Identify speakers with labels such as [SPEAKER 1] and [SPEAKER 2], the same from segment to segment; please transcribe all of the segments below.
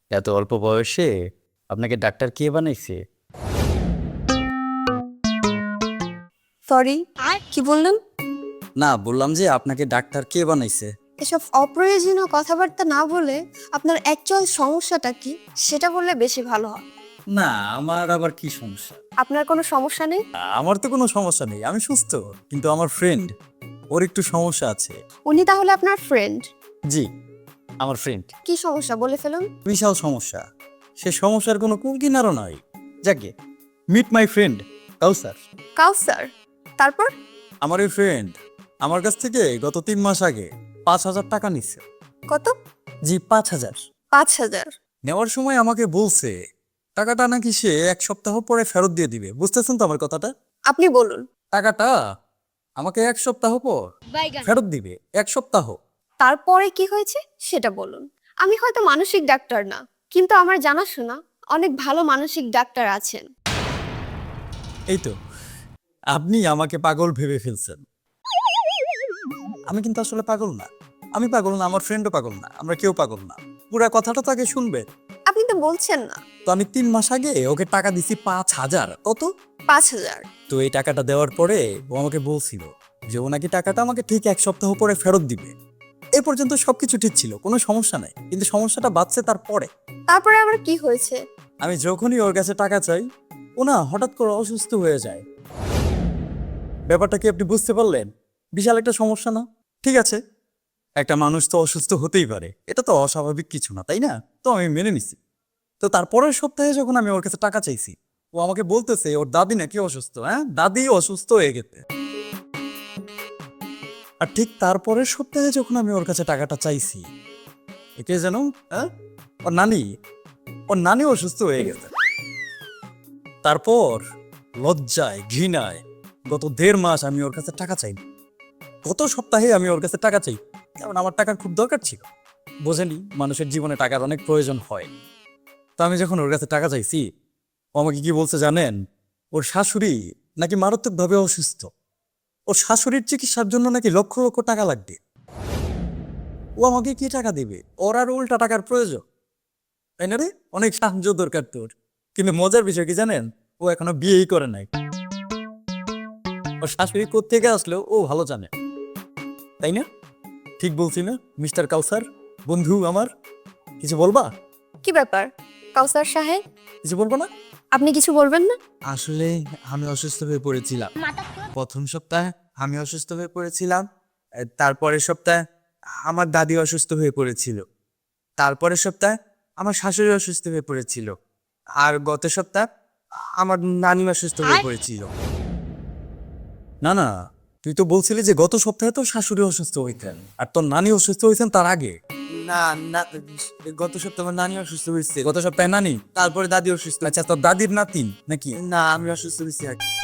[SPEAKER 1] এত অল্প বয়সে আপনাকে ডাক্তার কে বানাইছে?
[SPEAKER 2] সরি, কি বললেন?
[SPEAKER 1] না, বললাম যে আপনাকে ডাক্তার কে বানাইছে।
[SPEAKER 2] এসব অপ্রয়োজনীয় কথাবার্তা না বলে আপনার অ্যাকচুয়াল সমস্যাটা কি সেটা বললে বেশি ভালো হয়।
[SPEAKER 1] না, আমার আবার কি সমস্যা?
[SPEAKER 2] আপনার কোনো সমস্যা নেই?
[SPEAKER 1] আমার তো কোনো সমস্যা নেই, আমি সুস্থ। কিন্তু আমার ফ্রেন্ড, ওর একটু সমস্যা আছে।
[SPEAKER 2] উনি তাহলে আপনার ফ্রেন্ড?
[SPEAKER 1] জি, আমার ফ্রেন্ড।
[SPEAKER 2] কি সমস্যা বলে ফেলুন।
[SPEAKER 1] বিশাল সমস্যা। সে সমস্যার কোনো কুল কিনারও নয়। যাকে মিট মাই ফ্রেন্ড কাউসার।
[SPEAKER 2] কাউসার? তারপর?
[SPEAKER 1] আমার এই ফ্রেন্ড আমার কাছ থেকে গত 3 মাস আগে 5,000 টাকা নিচ্ছে।
[SPEAKER 2] কত?
[SPEAKER 1] জি, 5,000।
[SPEAKER 2] 5,000?
[SPEAKER 1] নেওয়ার সময় আমাকে বলছে টাকাটা নাকি সে 1 সপ্তাহ পরে ফেরত দিয়ে দিবে। বুঝতেছেন তো আমার কথাটা?
[SPEAKER 2] আপনি বলুন।
[SPEAKER 1] টাকাটা আমাকে 1 সপ্তাহ পর ফেরত দিবে। 1 সপ্তাহ।
[SPEAKER 2] তারপরে কি হয়েছে সেটা বলুন। আমি হয়তো মানসিক ডাক্তার না, কিন্তু আমার জানাশোনা অনেক ভালো মানসিক ডাক্তার আছেন।
[SPEAKER 1] এই তো, আপনি আমাকে পাগল ভেবে ফেলছেন। আমি কিন্তু আসলে পাগল না। আমি পাগল না, আমার ফ্রেন্ডও পাগল না, আমরা কেউ পাগল না। পুরা কথাটা তাকে শুনবে।
[SPEAKER 2] আপনি তো বলছেন না।
[SPEAKER 1] তো আমি 3 মাস আগে ওকে টাকা দিছি 5,000। কত?
[SPEAKER 2] 5,000?
[SPEAKER 1] তো এই টাকাটা দেওয়ার পরে ও আমাকে বলছিল যে ও নাকি টাকাটা আমাকে ঠিক 1 সপ্তাহ পরে ফেরত দিবে। এ পর্যন্ত সবকিছু ঠিক ছিল, কোনো সমস্যা নাই। কিন্তু সমস্যাটা বাড়ছে তারপরে।
[SPEAKER 2] তারপরে আবার কি হয়েছে?
[SPEAKER 1] আমি যখনই ওর কাছে টাকা চাই, ও না হঠাৎ করে অসুস্থ হয়ে যায়। ব্যাপারটা কি আপনি বুঝতে পারলেন? বিশাল একটা সমস্যা না? ঠিক আছে, একটা মানুষ তো অসুস্থ হতেই পারে, এটা তো অস্বাভাবিক কিছু না, তাই না? তো আমি মেনে নিছি। তো তারপরের সপ্তাহে যখন আমি ওর কাছে টাকা চাইছি, ও আমাকে বলতেছে ওর দাদি নাকি অসুস্থ। হ্যাঁ, দাদি অসুস্থ হয়ে গেছে। আর ঠিক তারপরের সপ্তাহে যখন আমি ওর কাছে টাকাটা চাইছি, একে যেন, হ্যাঁ, ওর নানি, ওর নানি অসুস্থ হয়ে গেছে। তারপর লজ্জায় ঘৃণায় গত 1.5 মাস আমি ওর কাছে টাকা চাই। গত সপ্তাহে আমি ওর কাছে টাকা চাই, কারণ আমার টাকার খুব দরকার ছিল। বোঝেনি, মানুষের জীবনে টাকার অনেক প্রয়োজন হয়। তো আমি যখন ওর কাছে টাকা চাইছি, ও আমাকে কি বলছে জানেন? ওর শাশুড়ি নাকি মারাত্মকভাবে অসুস্থ। ওর শাশুড়ির চিকিৎসার জন্য নাকি লক্ষ লক্ষ টাকা লাগবে। ও আমাকে কি টাকা দিবে? ওর আর উল্টা টাকার প্রয়োজন, তাই না রে? অনেক সাহায্য দরকার তোর। কিন্তু মজার বিষয় কি জানেন? ও এখনো বিয়েই করে নাই। ওর শাশুড়ি কোত্থেকে আসলেও ও ভালো জানে, তাই না? ঠিক বলছি না মিস্টার কাউসার? বন্ধু আমার, কিছু বলবা?
[SPEAKER 2] কি ব্যাপার কাউসার সাহেব,
[SPEAKER 1] কিছু বলবো না?
[SPEAKER 2] আপনি কিছু বলবেন না?
[SPEAKER 3] আসলে আমি অসুস্থ হয়ে পড়েছিলাম। প্রথম সপ্তাহে আমি অসুস্থ হয়ে পড়েছিলাম। তারপরের সপ্তাহে আমার দাদি অসুস্থ হয়ে পড়েছিল। তারপরের সপ্তাহে আমার শাশুড়ি অসুস্থ হয়ে পড়েছিল। আর গত সপ্তাহে আমার নানিমা অসুস্থ হয়ে পড়েছিল।
[SPEAKER 1] না না, তুই তো বলছিলি যে গত সপ্তাহে তো শাশুড়ি অসুস্থ হইতেন আর তোর নানি অসুস্থ হয়েছেন তার আগে।
[SPEAKER 3] না না, গত সপ্তাহে আমার নানি অসুস্থ হয়েছে।
[SPEAKER 1] গত সপ্তাহে নানি?
[SPEAKER 3] তারপরে দাদি অসুস্থ।
[SPEAKER 1] আচ্ছা, তোর দাদির নাতিন নাকি?
[SPEAKER 3] না, আমি অসুস্থ হয়েছি আর কি।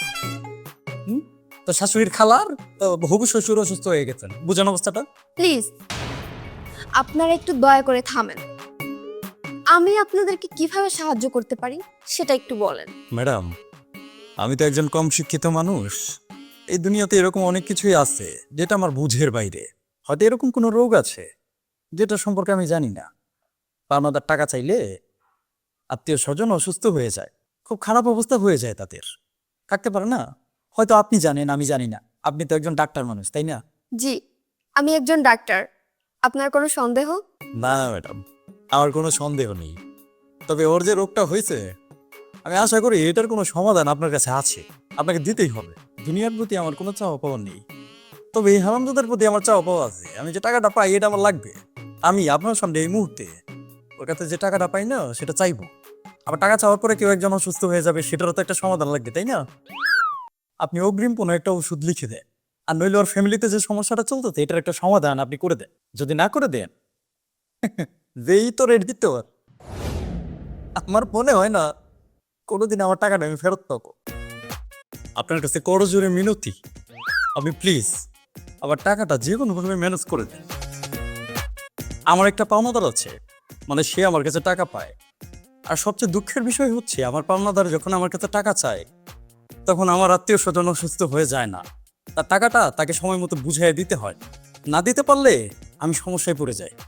[SPEAKER 1] তোর শাশুড়ির খালার হবু শ্বশুর অসুস্থ হয়ে গেছেন, বুঝেন অবস্থাটা?
[SPEAKER 2] প্লিজ আপনারা একটু দয়া করে থামেন। আমি আপনাদেরকে কিভাবে সাহায্য করতে পারি সেটা একটু বলেন।
[SPEAKER 1] ম্যাডাম, আমি তো একজন কম শিক্ষিত মানুষ। এই দুনিয়াতে এরকম অনেক কিছুই আছে যেটা আমার বুঝের বাইরে। হয়তো এরকম কোনো রোগ আছে যেটা সম্পর্কে আমি জানি না। পাওনাদার টাকা চাইলে আত্মীয় স্বজন অসুস্থ হয়ে যায়, খুব খারাপ অবস্থা হয়ে যায় তাদের, থাকতে পারে না। হয়তো আপনি জানেন, আমি জানি না। আপনি তো একজন ডাক্তার মানুষ, তাই না?
[SPEAKER 2] জি, আমি একজন ডাক্তার। আপনার কোনো সন্দেহ?
[SPEAKER 1] না ম্যাডাম, আমার কোনো সন্দেহ নেই। তবে ওর যে রোগটা হয়েছে, আমি আশা করি এটার কোনো সমাধান আপনার কাছে আছে, আপনাকে দিতেই হবে। দুনিয়ার প্রতি আমার কোনো চাওয়া পাওয়া নেই, তবে এই হারামজাদার প্রতি আমার চাওয়া পাওয়া আছে। আমি যে টাকাটা পাই এটা আমার লাগবে। আমি আপনার সামনে এই মুহূর্তে ওর কাছে যে টাকাটা পাই না সেটা চাইবো। আবার টাকা চাওয়ার পরে কেউ একজন অসুস্থ হয়ে যাবে, সেটারও তো একটা সমাধান লাগবে, তাই না? আপনি অগ্রিম কোনো একটা ওষুধ লিখে দেন, আর নইলে ওর ফ্যামিলিতে যে সমস্যাটা চলতেছে এটার একটা সমাধান আপনি করে দেন। যদি না করে দেন, যেই তো রেট দিতে পার, আমার মনে হয় না কোনোদিন আমার টাকাটা আমি ফেরত পাবো। আপনার কাছে করজোরে মিনতি, আপনি প্লিজ আবার টাকাটা যে কোনোভাবে ম্যানেজ করে দেন। আমার একটা পাওনাদার আছে, মানে সে আমার কাছে টাকা পায়। আর সবচেয়ে দুঃখের বিষয় হচ্ছে আমার পাওনাদার যখন আমার কাছে টাকা চায়, তখন আমার আত্মীয় স্বজন অসুস্থ হয়ে যায় না। তার টাকাটা তাকে সময় মতো বুঝিয়ে দিতে হয়। না দিতে পারলে আমি সমস্যায় পড়ে যাই।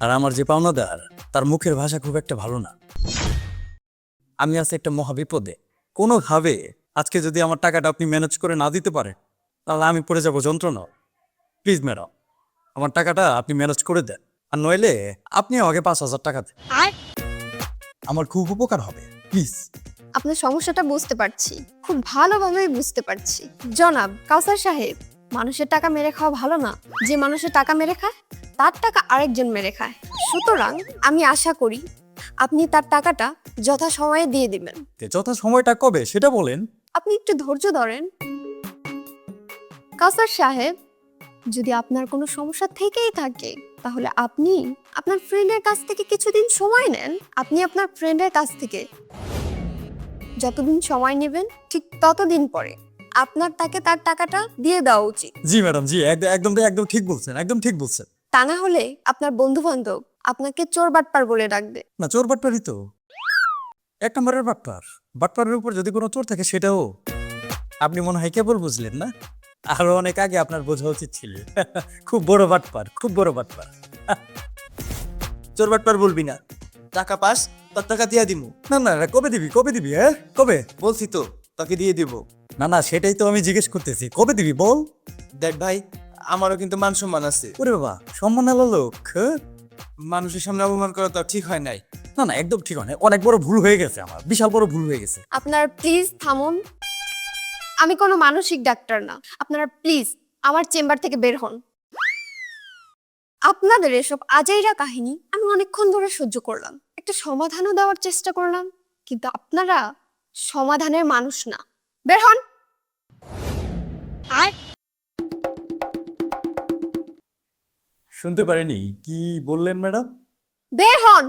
[SPEAKER 1] আর আমার যে পাওনাদার তার মুখের ভাষা খুব একটা ভালো না। আমি আছি একটা মহা বিপদে। কোনোভাবে আজকে যদি আমার টাকাটা আপনি ম্যানেজ করে না দিতে পারেন তাহলে আমি পড়ে যাব যন্ত্রণা। প্লিজ ম্যাডাম, আমার টাকাটা আপনি ম্যানেজ করে দেন, আর নইলে আপনি আমাকে 5,000 টাকা দেন, আমার খুব উপকার হবে প্লিজ।
[SPEAKER 2] আপনার সমস্যাটা বুঝতে পারছি, খুব ভালোভাবেই বুঝতে পারছি। জনাব কাউসার সাহেব, মানুষের টাকা মেরে খাওয়া ভালো না। যে মানুষের টাকা মেরে খায় তার টাকা আরেকজন মেরে খায়। সুতরাং আমি আশা করি আপনি তার টাকাটা যথা সময়ে দিয়ে দিবেন।
[SPEAKER 1] যথা সময়টা কবে সেটা বলেন।
[SPEAKER 2] আপনি একটু ধৈর্য ধরেন। কাউসার সাহেব, যদি আপনার কোনো সমস্যা থেকেই থাকে তাহলে আপনি আপনার ফ্রেন্ডের কাছ থেকে কিছুদিন সময় নেন। আপনি আপনার ফ্রেন্ডের কাছ থেকে যতদিন সময় নেবেন ঠিক ততদিন পরে আপনার তাকে তার টাকাটা দিয়ে দেওয়া উচিত।
[SPEAKER 1] জি ম্যাডাম, জি, একদম একদম ঠিক বলছেন, একদম ঠিক বলছেন।
[SPEAKER 2] তা না হলে আপনার বন্ধু বান্ধব আপনাকে চোর বাটপার বলে ডাকবে।
[SPEAKER 1] না, চোর বাটপারই তো, 1 নম্বরের বাটপার। বাটপারের উপর যদি কোনো চোর থাকে সেটাও আপনি মনে হয় কেবল বুঝলেন না, আরো অনেক আগে আপনার বোঝা উচিত ছিল। খুব বড় বাটপার, খুব বড় বাটপার।
[SPEAKER 3] চোর বাটপার বলবি না, টাকা পাস তোর টাকা দিয়ে দিমু।
[SPEAKER 1] না না, কবে দিবি, কবে দিবি, হ্যাঁ কবে?
[SPEAKER 3] বলছি তো তোকে দিয়ে দিব।
[SPEAKER 1] না না, সেটাই তো আমি জিজ্ঞেস করতেছি, কবে দিবি বল।
[SPEAKER 3] দেখ ভাই, আমারও কিন্তু মান সম্মান আছে।
[SPEAKER 1] ওরে বাবা, সম্মান আলো লোক, হ্যাঁ?
[SPEAKER 3] মানুষের সামনে অপমান করা তো আর ঠিক হয় নাই।
[SPEAKER 1] না না, একদম ঠিক হয় না, অনেক বড় ভুল হয়ে গেছে আমার, বিশাল বড় ভুল হয়ে গেছে।
[SPEAKER 2] আপনারা প্লিজ থামুন। আমি কোনো মানসিক ডাক্তার না। আপনারা প্লিজ আমার চেম্বার থেকে বের হন। আপনাদের এসব আজাইরা কাহিনী আমি অনেকক্ষণ ধরে সহ্য করলাম, একটা সমাধানও দেওয়ার চেষ্টা করলাম, কিন্তু আপনারা সমাধানের মানুষ না। বের হন।
[SPEAKER 1] শুনতে পারিনি, কি বললেন ম্যাডাম?
[SPEAKER 2] বের হন।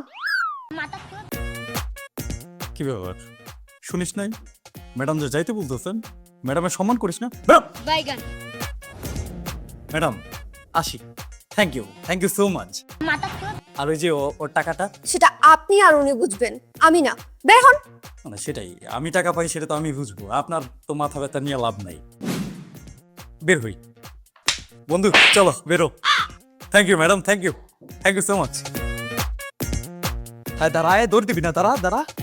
[SPEAKER 1] কি ব্যাপার, শুনিস নাই? ম্যাডাম যে যাইতে বলতেছেন, ম্যাডামের সম্মান করিস না? বেরো। ম্যাডাম আসি, থ্যাংক ইউ সো মাচ। আর ওই যে ওর টাকাটা,
[SPEAKER 2] সেটা আপনি আর উনি বুঝবেন, আমি না। বের হন।
[SPEAKER 1] মানে সেটাই, আমি টাকা পাই সেটা তো আমি বুঝবো, আপনার তো মাথা ব্যথা নিয়ে লাভ নাই। বের হই বন্ধু, চলো বেরো। Thank you madam, thank you so much. হ্যাঁ দাঁড়ায়, দৌড় দিবি না, দাঁড়া দাঁড়া।